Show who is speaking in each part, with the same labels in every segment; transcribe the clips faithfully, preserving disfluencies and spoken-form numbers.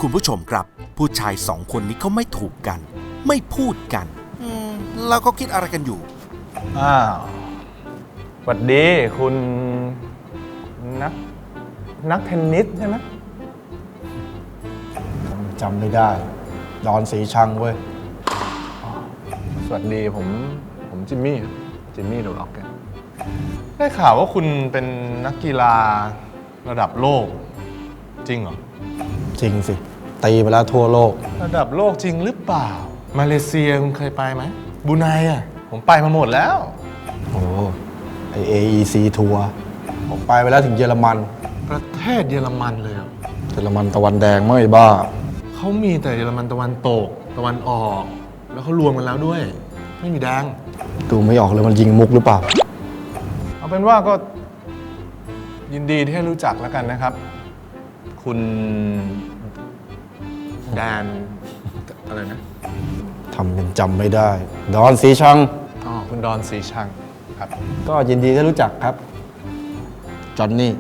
Speaker 1: คุณผู้ชมครับผู้ชายสองคนนี้เขาไม่ถูกกันไม่พูดกันอืมแล้วก็คิดอะไรกันอยู่
Speaker 2: อ้าวสวัสดีคุณนักนักเทนนิสใช่ไหม
Speaker 3: จำไม่ได้ดอนสีชังเว้ย
Speaker 2: สวัสดีผมผมจิมมี่จิมมี่เดอะร็อกเก็ตได้ข่าวว่าคุณเป็นนักกีฬาระดับโลกจริงเหรอ
Speaker 3: จริงสิตีไปแล้วทั่วโลก
Speaker 2: ระดับโลกจริงหรือเปล่ามาเลเซียคุณเคยไปไหมบรูไนอ่ะผมไปมาหมดแล้ว
Speaker 3: โอ้ไอ เอ อี ซี ทัวร์ผมไปไปแล้วถึงเยอรมัน
Speaker 2: ประเทศเยอรมันเลยอ่ะ
Speaker 3: เยอรมันตะวันแดงไม่บ้า
Speaker 2: เขามีแต่เยอรมันตะวันตกตะวันออกแล้วเขารวมกันแล้วด้วยไม่มีแดง
Speaker 3: ดูไม่ออกเลยมันยิงมุกหรือเปล่า
Speaker 2: เอาเป็นว่าก็ยินดีที่ให้รู้จักแล้วกันนะครับคุณแดนอะไรนะ
Speaker 3: ทำเป็นจำไม่ได้ดอนสีชัง
Speaker 2: อ๋อคุณดอนสีชังครับ
Speaker 3: ก็ยินดีที่รู้จักครับจอห์นนี่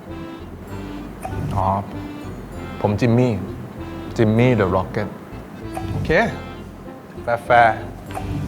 Speaker 2: อ๋อผมจิมมี่จิมมี่เดอะร็อกเก็ตโอเคแฟร์